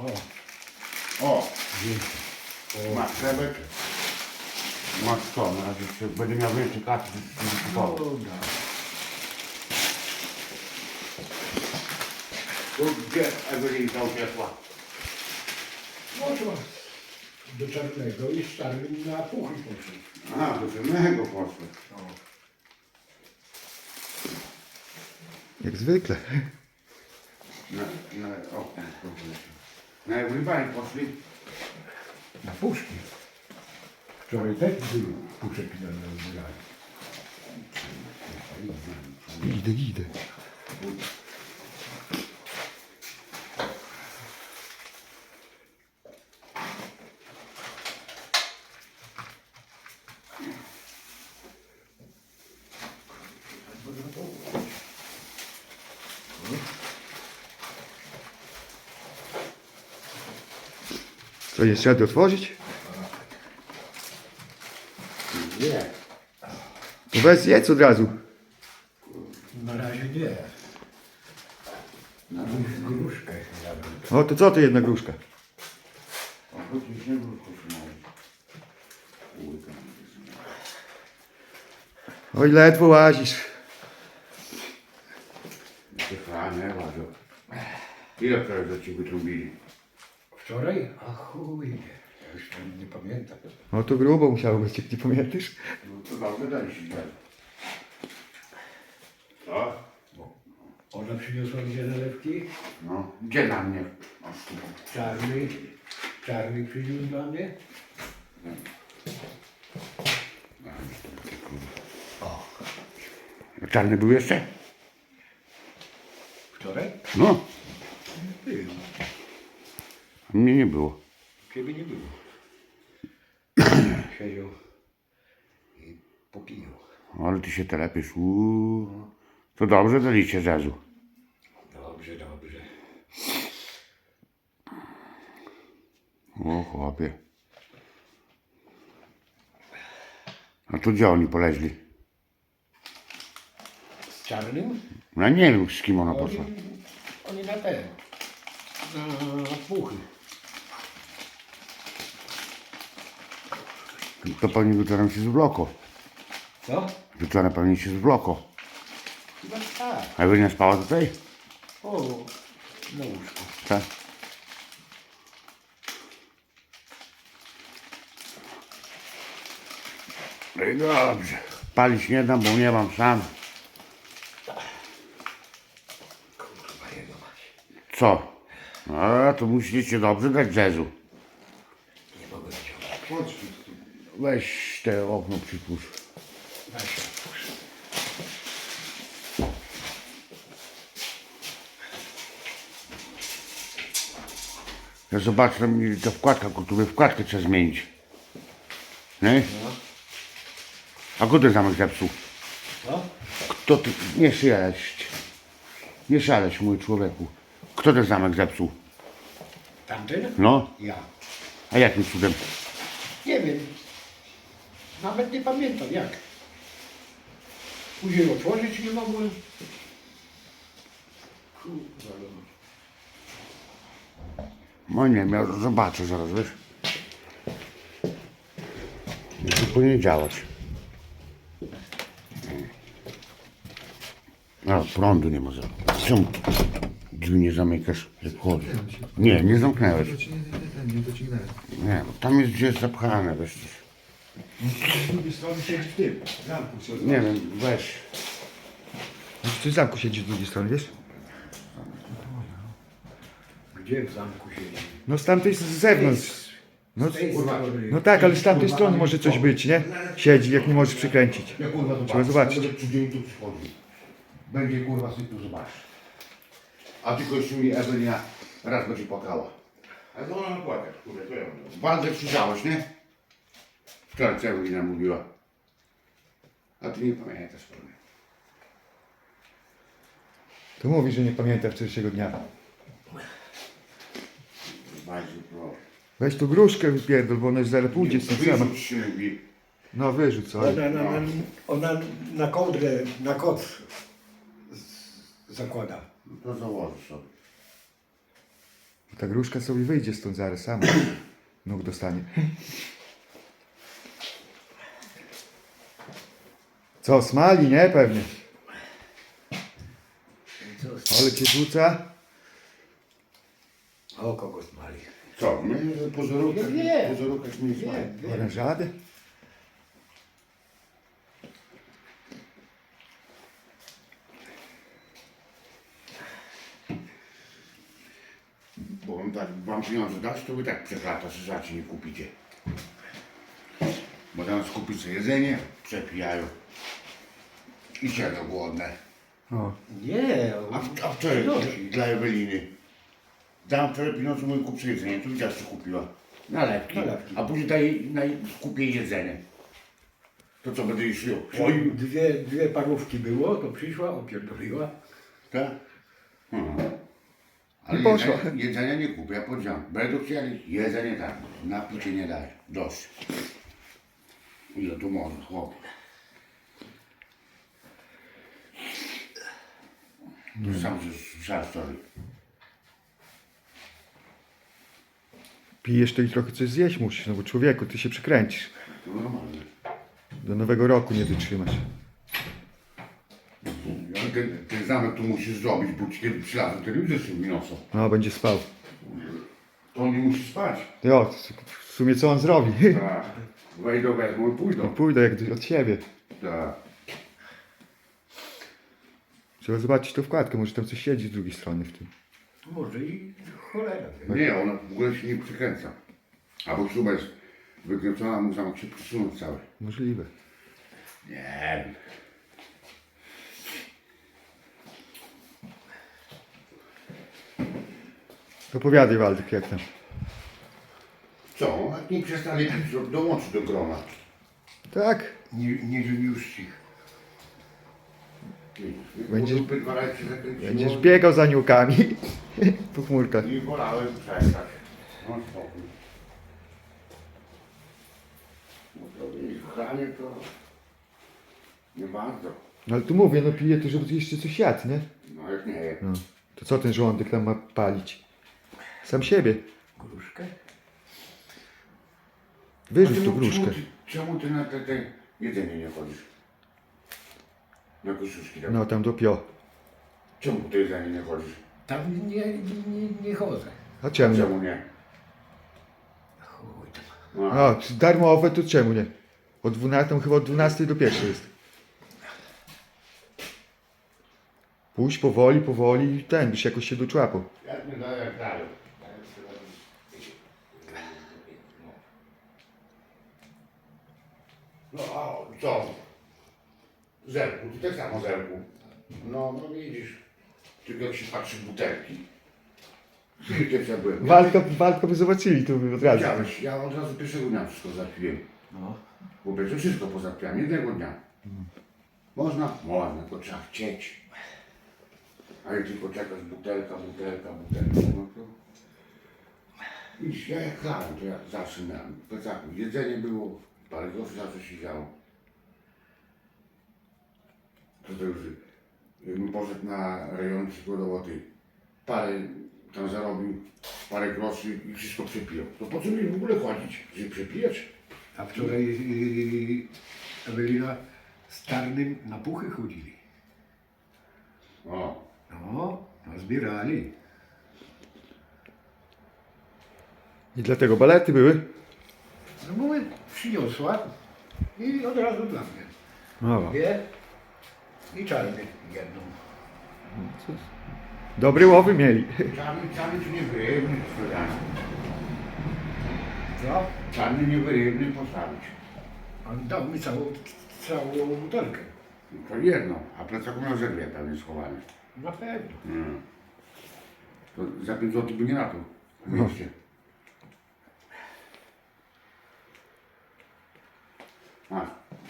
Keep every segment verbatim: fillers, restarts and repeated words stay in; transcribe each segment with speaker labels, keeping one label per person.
Speaker 1: O,
Speaker 2: O! Masz chlebek. Masz co? Na razie jeszcze będę miał więcej kasy, będę kupował.
Speaker 1: dobra.
Speaker 2: Tu gdzie Ewelinka uciekła?
Speaker 1: No to do czarnego i z czarnym na puchy poszedł.
Speaker 2: A, do czarnego poszło.
Speaker 1: O.
Speaker 3: Jak zwykle.
Speaker 2: Na, na, o, na Ewelibanie poszli.
Speaker 1: Na puszki. Wczoraj też był puszek na zbieraniu.
Speaker 3: Idę, idę. Co, jeszcze radę otworzyć?
Speaker 2: Nie.
Speaker 3: To weź jedz od razu.
Speaker 1: Na razie nie. Na gruszkę jadłem.
Speaker 3: O, to co to jedna gruszka?
Speaker 2: A choć nie było koszmarów.
Speaker 3: Oj, ledwo łazisz.
Speaker 2: Nie, łażą. Ile wczoraj za ci wytrąbili?
Speaker 1: Wczoraj? A chuj. Ja już tam nie pamiętam.
Speaker 3: No to grubo musiało być, jak nie pamiętasz.
Speaker 2: No to dobrze dali się dać. Co?
Speaker 1: Ona przyniosła dwie nalewki.
Speaker 2: No, gdzie na mnie?
Speaker 1: Czarny. Czarny przyniósł dla mnie.
Speaker 2: Czarny był jeszcze?
Speaker 1: Wczoraj?
Speaker 2: No,
Speaker 1: Był.
Speaker 2: a mnie nie było.
Speaker 1: Ciebie nie było. Siedział i popijał.
Speaker 2: Ale ty się telepisz. Uuu. To dobrze daliście zazu.
Speaker 1: Dobrze, dobrze.
Speaker 2: O chłopie. A tu gdzie oni poleźli?
Speaker 1: Z czarnym?
Speaker 2: No nie wiem z kim ona poszła.
Speaker 1: Oni, oni na te. Na puchy.
Speaker 2: To pewnie wieczorem się zwloko.
Speaker 1: Co?
Speaker 2: Wieczorem pewnie się zwloko.
Speaker 1: Chyba tak.
Speaker 2: A Ewelina spała tutaj?
Speaker 1: O, na łóżku.
Speaker 2: Tak. No i dobrze. Palić nie dam, bo nie mam sam.
Speaker 1: Kurwa jego mać.
Speaker 2: Co? A to musicie dobrze dać jazzu.
Speaker 1: Nie mogę wyciągnąć.
Speaker 2: Weź te okno przypuść.
Speaker 1: Weź otwórz.
Speaker 2: Ja zobaczę, tam mi ta wkładka, tu wkładkę trzeba zmienić. Nie? A kto ten zamek zepsuł?
Speaker 1: Co?
Speaker 2: Kto ty? Nie szaleć. Nie szaleć, mój człowieku. Kto ten zamek zepsuł?
Speaker 1: Tamten?
Speaker 2: No?
Speaker 1: Ja.
Speaker 2: A jakim cudem?
Speaker 1: Nie wiem. Nawet nie pamiętam jak. Później otworzyć nie mogłem. Kurwa.
Speaker 2: No nie, ja zobaczę zaraz, wiesz? To powinien działać. A, prądu nie ma za. Czemu drzwi nie zamykasz, jak chodzi? Nie, nie zamknęłeś.
Speaker 3: Nie dociągnąłem.
Speaker 2: Nie, bo tam jest gdzieś zapchane, wiesz.
Speaker 3: Z drugiej strony siedzi w tym zamku.
Speaker 2: Nie wiem, weź.
Speaker 3: Czy w zamku siedzi z drugiej strony, wiesz?
Speaker 1: Gdzie w zamku siedzi?
Speaker 3: No z tamtej z zewnątrz. No,
Speaker 1: Z tej strony.
Speaker 3: no tak, ale z tamtej strony może coś być, nie? Siedzi, jak nie możesz przykręcić.
Speaker 2: Ja kurwa zobaczę.
Speaker 3: Trzeba zobaczyć.
Speaker 2: Będę codziennie tu przychodził. Będzie kurwa sobie tu zobaczysz. A tylko jeszcze mi Ewelina raz będzie płakała. A to ona płakać, kurwa, to ja mam. Bardzo krzyczałeś, nie? Wczoraj co Ewelina mówiła. A ty nie pamiętasz pewnie.
Speaker 3: To mówi, że nie pamięta wczorajszego dnia.
Speaker 2: Bardzo proszę.
Speaker 3: Weź tu gruszkę wypierdol, bo ona już zaraz pójdzie z tym sama.
Speaker 2: Wyrzuć się mówi.
Speaker 3: No wyrzuć co?
Speaker 1: Ona na, na, ona na kołdrę, na koc z- zakłada.
Speaker 2: No to założysz sobie.
Speaker 3: Ta gruszka sobie wyjdzie stąd zaraz sama. Nóg dostanie. Co, smali, nie? Pewnie.
Speaker 1: Co?
Speaker 3: Ale cię rzuca.
Speaker 1: O kogo smali?
Speaker 2: Co? Nie, pozorówka,
Speaker 1: Ja wiem.
Speaker 2: pozorówka się nie smaje.
Speaker 1: Wiem, wiem.
Speaker 3: Orężady?
Speaker 2: Bo on tak, wam pieniądze dać, to wy tak przeklata, że zacznie nie kupicie. Bo tam kupić sobie jedzenie, przepijają. I siedzą głodne.
Speaker 3: O.
Speaker 1: Nie,
Speaker 2: A, w- a wczoraj dla Eweliny. Dam wczoraj pieniądze, mówię, kup sobie jedzenie. Tu widziałeś, co kupiła. Nalewki.
Speaker 1: Nalewki.
Speaker 2: A później daj, daj, kupię jedzenie. To co, będę jej szło?
Speaker 1: Oj, dwie, dwie parówki było, to przyszła, opierdoliła.
Speaker 2: Tak? Mhm. Ale
Speaker 3: I poszła.
Speaker 2: jedzenia, jedzenia nie kupię, ja powiedziałem, będą chcieli, jedzenie tak, napicie nie daj, dość. Ile tu można, chłop. To sam słyszałem story.
Speaker 3: Pijesz to i trochę coś zjeść musisz, no bo człowieku, ty się przykręcisz.
Speaker 2: To normalne.
Speaker 3: Do nowego roku nie wytrzymasz.
Speaker 2: Ale ten, ten zamek tu musisz zrobić, bo ci kiedy przylazą telewizor się wyniosą.
Speaker 3: No, będzie spał.
Speaker 2: To on nie musi spać.
Speaker 3: Jo, w sumie co on zrobi?
Speaker 2: Tak. Wejdą, wezmą i pójdą.
Speaker 3: Pójdę jak od siebie.
Speaker 2: Tak.
Speaker 3: Trzeba zobaczyć tą wkładkę, może tam coś siedzi z drugiej strony w tym.
Speaker 1: Może i cholera. wie.
Speaker 2: Nie, ona w ogóle się nie przykręca. Albo śruba jest wykręcona, mu zamek się przesunąć cały.
Speaker 3: Możliwe.
Speaker 2: Nie wiem.
Speaker 3: Opowiadaj, Waldek, jak tam.
Speaker 2: Co? Jak nie przestali pić, to dołączy do grona.
Speaker 3: Tak,
Speaker 1: Nie, nie żeniusz ich.
Speaker 3: Będziesz-
Speaker 2: Bo dwa razy się zakręciło.
Speaker 3: będziesz biegał za niukami po chmurkach.
Speaker 2: Nie wolałem przestać. No spokój. No to jej kochanie to nie bardzo.
Speaker 3: No ale tu mówię, no piję to, żeby jeszcze coś jadł, nie?
Speaker 2: No jak nie.
Speaker 3: No. To co ten żołądek tam ma palić? Sam siebie.
Speaker 1: Gruszkę?
Speaker 3: Wyrzuć
Speaker 2: A
Speaker 3: tu
Speaker 2: czemu-
Speaker 3: gruszkę.
Speaker 2: Czemu ty, czemu ty na te, te jedzenie nie chodzisz? Na koszuszki tam.
Speaker 3: No tam do pio.
Speaker 2: Czemu ty jedzenie nie chodzisz?
Speaker 1: Tam nie, nie, nie chodzę.
Speaker 3: A czemu nie?
Speaker 2: Czemu nie?
Speaker 1: Chuj tam.
Speaker 2: No,
Speaker 3: A, darmowe to czemu nie? O dwunastej, chyba od dwunastej do pierwszej jest. Pójdź powoli, powoli i ten, byś jakoś się doczłapał.
Speaker 2: jak nie daję, jak daję. No a co? Zerku, ty tak samo zerku. No, no widzisz. Tylko jak się patrzy w butelki. Chwilkę ja byłem.
Speaker 3: Waldka, Waldka by zobaczyli, to by od razu.
Speaker 2: Widziałeś, ja od razu pierwszego dnia wszystko zapiłem.
Speaker 1: No.
Speaker 2: Bo będzie wszystko pozapiałem, jednego dnia. Można? Można, tylko trzeba chcieć. A jak tylko czekasz butelka, butelka, butelka, no to... Widzisz, ja jak chlałem, to ja zawsze miałem w plecaku. Jedzenie było, parę groszy zawsze się działo. To to już, jakbym poszedł na rejon przykładowo ty, parę tam zarobił, parę groszy i wszystko przepiją. To po co mi w ogóle chodzić, żeby przepijać?
Speaker 1: A wczoraj yy, Ewelina z Tarnym na puchy chodzili.
Speaker 2: O,
Speaker 1: No, zbierali.
Speaker 3: I dlatego balety były?
Speaker 1: No mówię, przyniosła i od razu dla mnie.
Speaker 3: O,
Speaker 1: Dwie i czarny jedną.
Speaker 3: dobry łowy mieli.
Speaker 2: czarny, czarny czy nie wyrywny sprzedany.
Speaker 1: Co?
Speaker 2: Czarny nie wyrywny postawić.
Speaker 1: On dał mi całą, całą butelkę.
Speaker 2: No to jedno, a plecaku miał ze dwie pewnie schowane.
Speaker 1: Na pewno.
Speaker 2: Mm. To za pięć złotych by nie napił w mieście. Masz.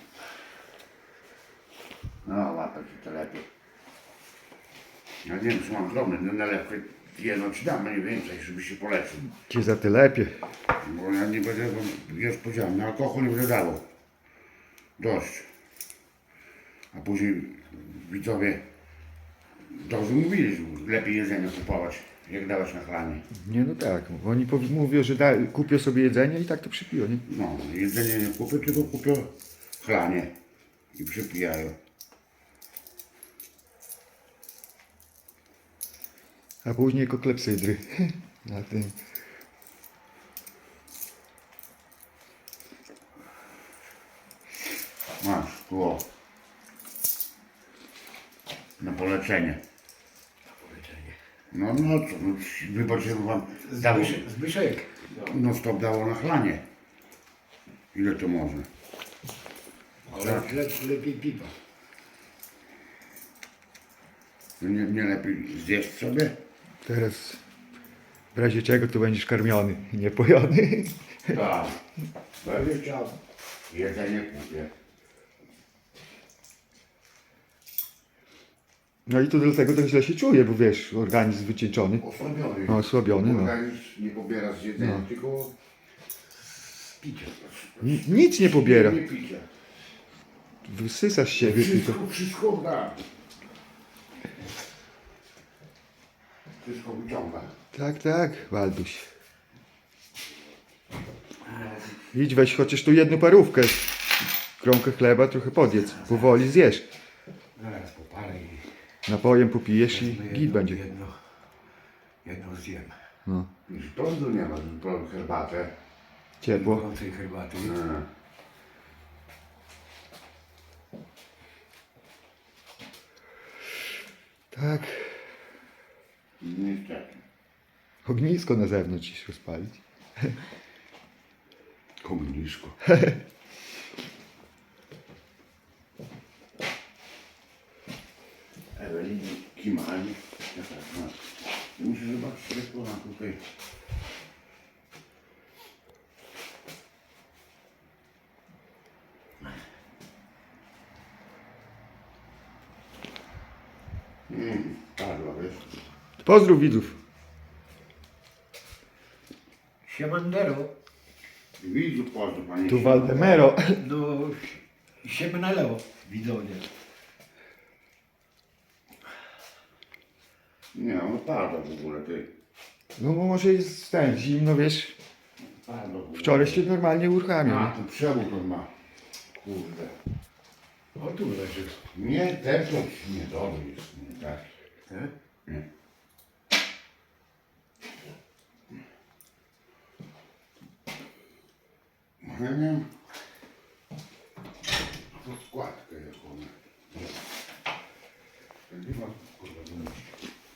Speaker 2: No, łapać się to lepiej. Ja nie wiem, czy mam drobne, no nalewkę jedno ci dam, mniej więcej, żeby się poleczył.
Speaker 3: Cię za te lepiej.
Speaker 2: Bo ja nie będę, bo już powiedziałem, na alkohol nie będę dawał. Dość. A później widzowie dobrze mówili, że lepiej jedzenie kupować. jak dałeś na chlanie.
Speaker 3: Nie no tak, oni powi- mówią, że da, kupię sobie jedzenie i tak to przypiją, nie?
Speaker 2: No, jedzenie nie kupię, tylko kupię chlanie i przypijają.
Speaker 3: A później koklepsydry. Na tym.
Speaker 2: Masz, tu o. Na poleczenie. No, no co, no, wybaczcie, wam dało,
Speaker 1: Zbyszek, Zbyszek.
Speaker 2: no stop dało na chlanie. Ile to można?
Speaker 1: Ale le, lepiej piwa.
Speaker 2: No Nie, nie lepiej zjeść sobie?
Speaker 3: Teraz w razie czego to będziesz karmiony, nie pojony.
Speaker 2: Tak. Będę chciał. Jedzenie kupię.
Speaker 3: No i to dlatego tak źle się czuję, bo wiesz, organizm wycieńczony.
Speaker 2: Osłabiony.
Speaker 3: No, osłabiony, no.
Speaker 2: Organizm nie pobiera z jedzenia,
Speaker 3: No.
Speaker 2: tylko z picia.
Speaker 3: N- nic nie pobiera.
Speaker 2: Nie picia.
Speaker 3: Wysysa z siebie tylko.
Speaker 2: Wszystko, wszystko da. Wszystko wyciąga.
Speaker 3: Tak, tak, Walduś. Idź weź chociaż tu jedną parówkę. Kromkę chleba, trochę podjedz. Powoli zjesz.
Speaker 1: Zaraz popalę i
Speaker 3: Napojem popijesz i
Speaker 1: wezmę
Speaker 3: git
Speaker 1: jedno,
Speaker 3: będzie.
Speaker 1: jedno, jedno zjem.
Speaker 3: No,
Speaker 2: Już prądu nie ma, prąd herbatę.
Speaker 3: ciepło.
Speaker 1: Gorącej herbaty.
Speaker 2: No.
Speaker 3: Tak.
Speaker 2: Niestety.
Speaker 3: Ognisko na zewnątrz iść rozpalić.
Speaker 2: Ognisko. Eweliny Kimani. Ja tak, no. Ja muszę zobaczyć, jak ona tutaj. Mm, padła, wiesz.
Speaker 3: Pozdrów widzów.
Speaker 1: Siemandero.
Speaker 2: Widzu, pozdro, panie.
Speaker 3: Tu Waldemero.
Speaker 1: No, siemnelo, widzowie.
Speaker 2: Nie, no pada w ogóle, ty.
Speaker 3: No bo może jest ten, zimno, wiesz.
Speaker 2: Pada w ogóle.
Speaker 3: Wczoraj się normalnie uruchamiał.
Speaker 2: A,
Speaker 3: nie?
Speaker 2: tu przewód on ma. Kurde.
Speaker 1: O, tu leży.
Speaker 2: Nie, ten to nie dobry jest, nie tak.
Speaker 1: E?
Speaker 2: Nie. Ja nie wiem. Rozkładkę jaką. Nie ma kurwa dumności.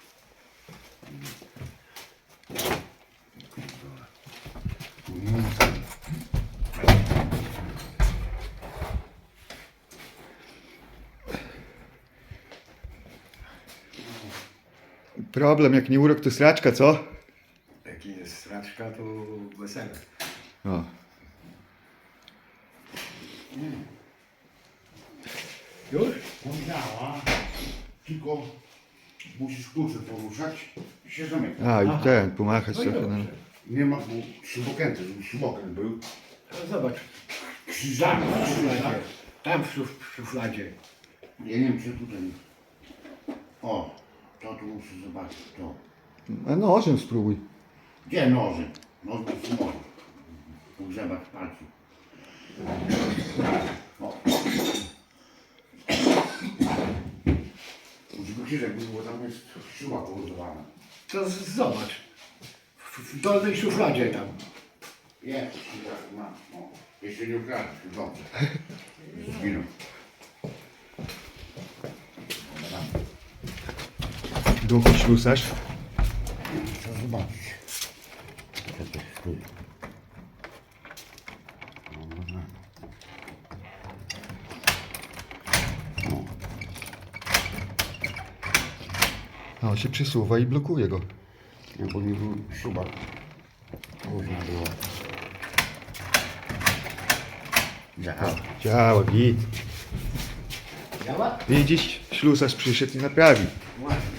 Speaker 3: Problem, jak nie urok, to sraczka, co?
Speaker 1: Jak jest straczka, to wesele.
Speaker 3: O.
Speaker 1: Już?
Speaker 2: Powiedziała, tylko musisz klucze poruszać i się zamyka.
Speaker 3: A,
Speaker 1: Aha.
Speaker 3: i ten, pomachać
Speaker 1: No i
Speaker 3: trochę. No.
Speaker 1: dobrze.
Speaker 2: Nie ma tu śrubokrętu, żeby śrubokręt był.
Speaker 1: No zobacz,
Speaker 2: Krzyżami,
Speaker 1: tam w
Speaker 2: krzyżami.
Speaker 1: szufladzie. Tam w szuf- w szufladzie.
Speaker 2: Ja nie wiem, czy tutaj. O, to tu muszę zobaczyć. To.
Speaker 3: A nożem spróbuj.
Speaker 2: Gdzie noże? Noż bez noży. Pogrzebać palców. O. Żeby krzyżek był, bo tam jest śruba położowana.
Speaker 1: To z- zobacz. W, w dolnej szufladzie tam.
Speaker 2: Jest, krzyżak ma. O, jeszcze nie ukradł, dobrze. Zginął.
Speaker 3: Duchu ślusarz.
Speaker 2: Trzeba zobaczyć. Co to jest tu? Dobra.
Speaker 3: No, się przesuwa i blokuje go.
Speaker 2: Nie, bo nie był śruba. Różna była. Działa.
Speaker 3: Działa, git.
Speaker 1: Działa?
Speaker 3: Widzisz, ślusarz przyszedł i naprawi.
Speaker 1: Właśnie.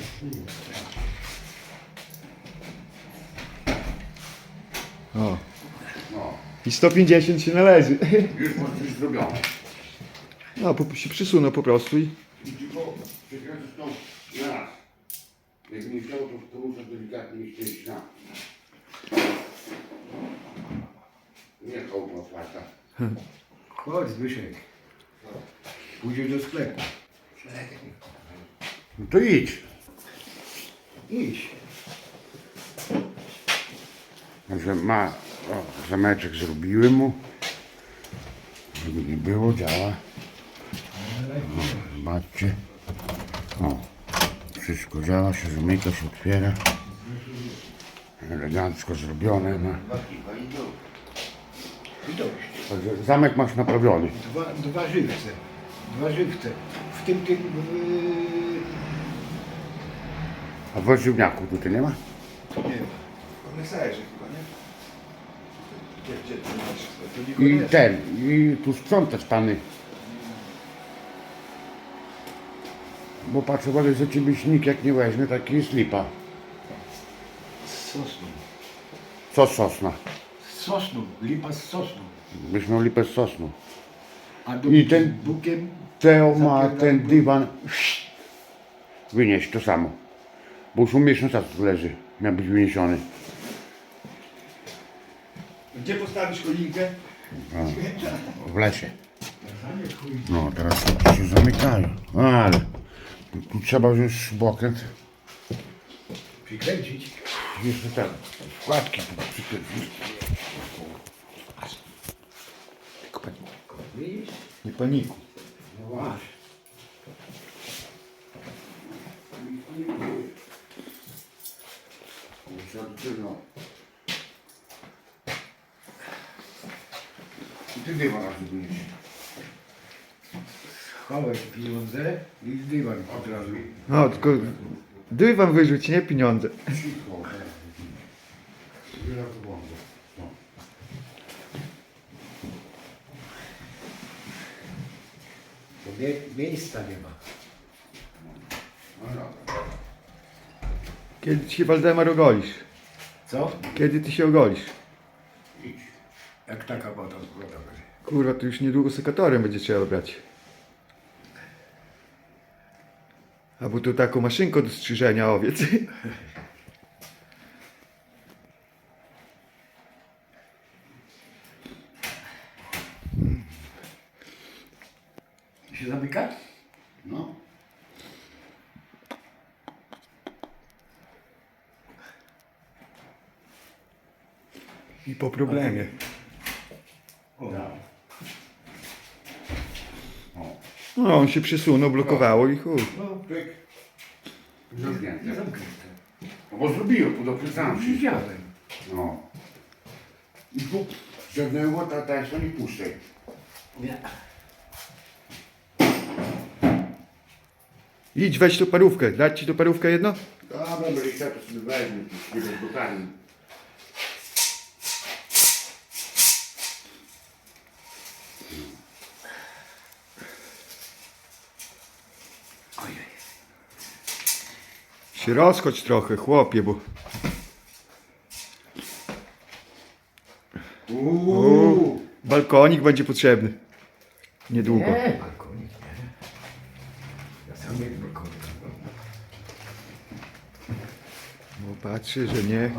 Speaker 3: O.
Speaker 2: No,
Speaker 3: I sto pięćdziesiąt się należy.
Speaker 2: już może być zrobione.
Speaker 3: No, po, się przysunął po prostu i...
Speaker 2: I tylko przekręcę tą na raz. Jak nie nie chciało, to, to muszę delikatnie ściąć na. Nie kołpa otwarta.
Speaker 1: Chodź Zbyszek. Pójdziesz do sklepu.
Speaker 2: No to idź.
Speaker 1: Idź.
Speaker 2: Że ma, o, zameczek zrobiłem mu. Żeby nie było, działa. O, zobaczcie. O, wszystko działa, się zamyka, się otwiera. Elegancko zrobione. No.
Speaker 1: I dość.
Speaker 2: Także zamek masz naprawiony.
Speaker 1: Dwa, dwa żywce. Dwa żywce. W tym tym... Yy...
Speaker 2: A w warzywniaku tutaj nie ma?
Speaker 1: Nie ma.
Speaker 3: Koneserze chyba, nie? Gdzie, gdzie ty masz? To
Speaker 2: I
Speaker 3: Nikodeś.
Speaker 2: ten, i tu sprzątać pany. Bo patrzę, wolę, że ciebie nikt jak nie weźmie, taki jest lipa.
Speaker 1: Z sosną.
Speaker 2: Co z sosna?
Speaker 1: Z sosną. Lipa z sosną.
Speaker 2: Byś miał lipę z sosnu.
Speaker 1: A do
Speaker 2: I ten-
Speaker 1: bukiem...
Speaker 2: Teo ma
Speaker 1: Zapierdala
Speaker 2: ten
Speaker 1: go.
Speaker 2: dywan. Wynieść to samo. Bo już u miesiąc tu leży. Miał być wyniesiony.
Speaker 3: Gdzie postawisz choinkę?
Speaker 2: W lesie. No teraz to się zamykają. Ale tu trzeba już bokręt.
Speaker 1: Przykręcić.
Speaker 2: Jeszcze tak. Wkładki tu przykręcić. Tylko pani.
Speaker 1: Widzisz?
Speaker 3: Nie paniku.
Speaker 1: No właśnie.
Speaker 2: I ty dywan raz wynieść.
Speaker 1: Chowaj pieniądze i dywan od razu.
Speaker 3: No, tylko dywan wyrzuć, nie pieniądze.
Speaker 2: Cicho. Wiele to będzie. No.
Speaker 1: Bo mie miejsca nie ma.
Speaker 2: No dobra.
Speaker 3: Kiedy ty się Waldemar ogolisz?
Speaker 1: Co?
Speaker 3: Kiedy ty się ogolisz?
Speaker 2: Idź.
Speaker 1: Jak taka woda z woda będzie.
Speaker 3: Kurwa, to już niedługo sekatorem będzie trzeba brać. Albo tu taką maszynką do strzyżenia owiec.
Speaker 1: Się zamyka?
Speaker 2: No.
Speaker 3: I po problemie.
Speaker 1: O.
Speaker 2: Ja. O.
Speaker 3: No, on się przysunął, blokowało i chuj.
Speaker 1: No,
Speaker 2: Pyk.
Speaker 1: nie
Speaker 2: Zamknięte.
Speaker 1: zamknięte.
Speaker 2: No bo zrobiłem, tu dokręcałem wszystko.
Speaker 1: Widziałem.
Speaker 2: No. I tu ciągnęło, ta ta to nie puszczaj.
Speaker 1: Nie.
Speaker 3: Idź, weź tu parówkę. Dać ci tu parówkę jedno?
Speaker 2: Dobra, będzie chciał, to sobie weźmie, tu nie bez butami.
Speaker 1: Ojej.
Speaker 3: Się rozchodź trochę, chłopie, bo...
Speaker 2: Uuu.
Speaker 3: Balkonik będzie potrzebny. Niedługo.
Speaker 1: Nie, balkonik nie. Ja sam jak balkonik.
Speaker 3: Bo patrzy, że nie.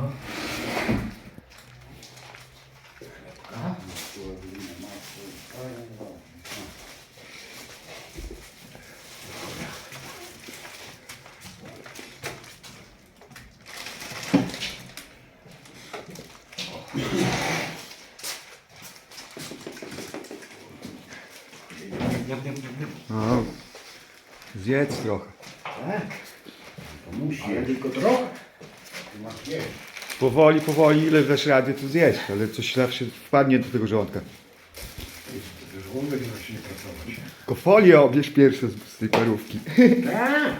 Speaker 3: No, zjedz trochę.
Speaker 1: Tak,
Speaker 2: To musi
Speaker 1: ale
Speaker 2: jeść.
Speaker 1: tylko trochę.
Speaker 2: Ty masz jeść.
Speaker 3: Powoli, powoli, ile dasz rady, to zjeść, ale coś zawsze wpadnie do tego żołądka.
Speaker 1: Żołądek zacznie pracować.
Speaker 3: Tylko folię obierz pierwsze z, z tej parówki.
Speaker 1: Tak.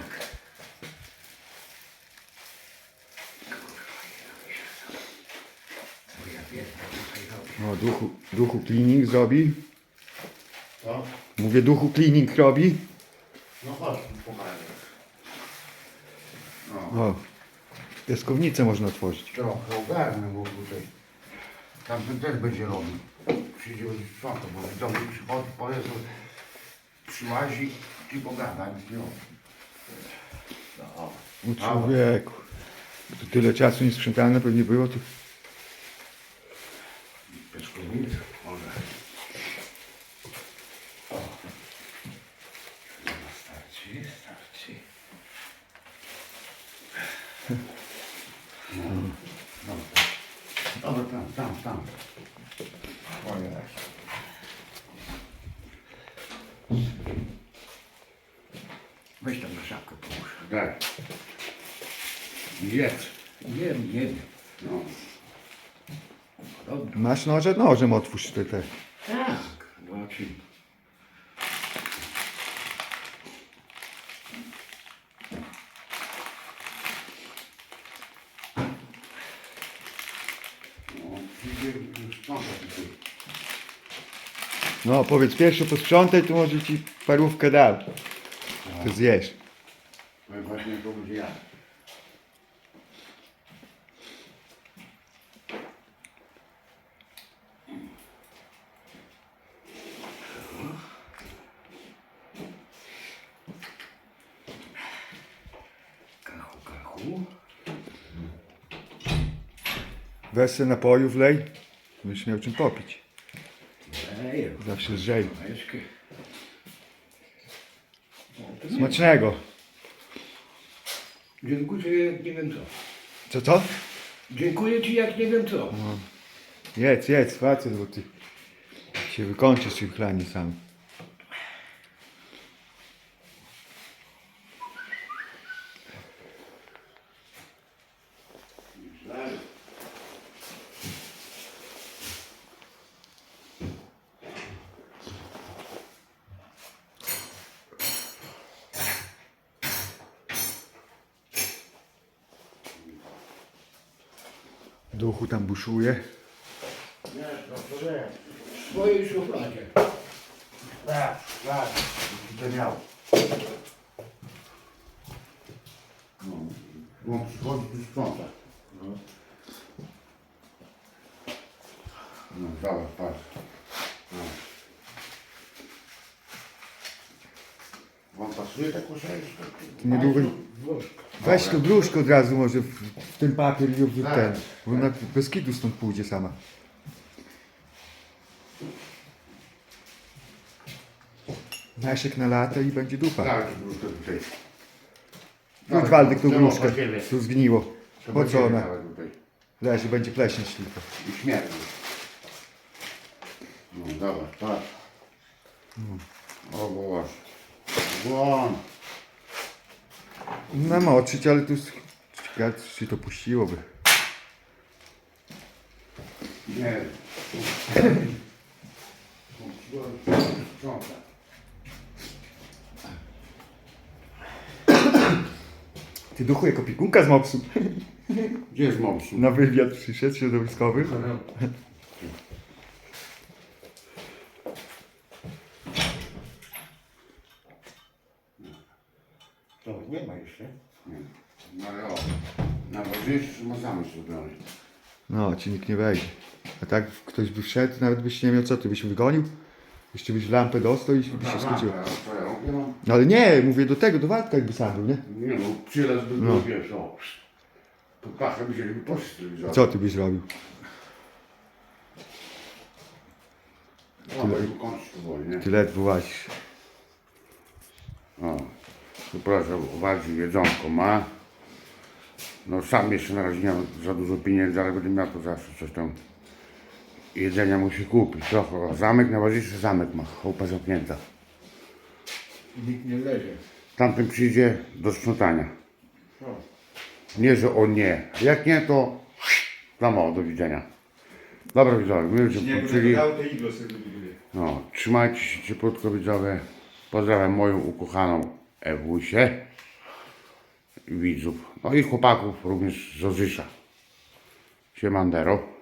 Speaker 1: Co ja wiem, tutaj robię.
Speaker 3: O, duchu, duchu cleaning zrobi.
Speaker 2: Co?
Speaker 3: Mówię, duchu cleaning robi.
Speaker 2: No chodź, tu pokażę. No.
Speaker 3: O, piaskownicę można otworzyć.
Speaker 2: Trochę ogarnę, bo tutaj tamten też będzie robił. Przyjdzie sprzątał, bo w domu przychodzi, powie, że przyłazi i pogada, nic nie robi. No.
Speaker 3: U człowieku. Tu tyle czasu niesprzątane pewnie było. To...
Speaker 2: Pieczkownik, może. Starczy, starczy. No, dobra. Dobra, tam, tam, tam. Ojej.
Speaker 1: Weź tam na szafkę połóż.
Speaker 2: Daj. Jedz.
Speaker 1: Jem, jem.
Speaker 2: No.
Speaker 1: Dobra.
Speaker 3: Masz noże? Nożem otwórz te, te.
Speaker 1: Tak. Zobaczymy.
Speaker 2: No, przyjdzie sprzątać tutaj.
Speaker 3: No powiedz pierwszy posprzątaj, to może ci parówkę dam. To zjesz.
Speaker 2: No i właśnie to będzie ja.
Speaker 1: Kachu, kachu.
Speaker 3: Weź se napoju wlej. Będziesz miał czym popić.
Speaker 1: Ej,
Speaker 3: Zawsze lżej.
Speaker 1: Majeczkę.
Speaker 3: Smacznego.
Speaker 1: Dziękuję ci jak nie wiem co.
Speaker 3: Co, co?
Speaker 1: Dziękuję ci jak nie wiem co.
Speaker 3: Jedz, jedz, facet, bo ty się wykończysz tym chlanie sam. Duchu tam buszuje.
Speaker 2: Nie, to co nie.
Speaker 1: W swojej szufladzie.
Speaker 2: Tak, tak. To miał. No. Bo przychodzi tu sprząta.
Speaker 1: No.
Speaker 2: No, zobacz, patrz. No. Wam pasuje ta koszeczka?
Speaker 3: Niedługo...
Speaker 1: Włoszka.
Speaker 3: Weź to brzuszko od razu może w, w ten papier i w
Speaker 2: Tak.
Speaker 3: ten. Bo ona bez kitu stąd pójdzie sama. Nasiek na lata i będzie dupa.
Speaker 2: Tak, brzuszko tutaj.
Speaker 3: Rzuć Waldek tą
Speaker 2: Czemu
Speaker 3: gruszkę.
Speaker 2: właściwie?
Speaker 3: Tu zgniło.
Speaker 2: To
Speaker 3: Po
Speaker 2: będzie
Speaker 3: co ona?
Speaker 2: nawet tutaj.
Speaker 3: Leży, będzie pleśnieć tylko.
Speaker 2: I śmierdzi. No dobra, patrz. O Boże. Błon.
Speaker 3: Namoczyć, ale tu z- ciekawe, czy to puściłoby.
Speaker 2: Nie. Sprząta.
Speaker 3: Ty duchu jako piekunka z mopsu.
Speaker 2: Gdzie jest mopsu?
Speaker 3: Na wywiad przyszedł środowiskowy.
Speaker 1: To nie ma jeszcze.
Speaker 2: Nie. No ale o. Na ważniejszy ma zamysł zrobiony.
Speaker 3: No, ci nikt nie wejdzie. A tak ktoś by wszedł, nawet byś nie miał co, ty byś wygonił. Jeszcze byś lampę dostał i by się skończyło.
Speaker 2: A co ja robię? No,
Speaker 3: No ale nie, mówię do tego, do Waldka jakby sam był, nie?
Speaker 2: nie no, przylazł by
Speaker 3: No.
Speaker 2: no. wiesz, o. Pod pachę by się by poszli z telewizora.
Speaker 3: Co ty byś robił?
Speaker 2: No, bo tu kończyć powoli, nie?
Speaker 3: Ty ledwo łazisz.
Speaker 2: O. Tu proszę, bardziej jedzonko ma. No sam jeszcze na razie nie mam za dużo pieniędzy, ale będę miał to zawsze coś tam. Jedzenia musi kupić trochę. O, zamek, najważniejszy zamek ma. Chałupa zamknięta.
Speaker 1: Nikt nie leży.
Speaker 2: Tamten przyjdzie do sprzątania.
Speaker 1: No.
Speaker 2: Nie, że o nie. Jak nie, to tam o, do widzenia. Dobra widzowie, my już się poczyli. No, trzymajcie się cieplutko widzowie. Pozdrawiam moją ukochaną Ewusię. Widzów. No i chłopaków również z Ozysza. Siemandero.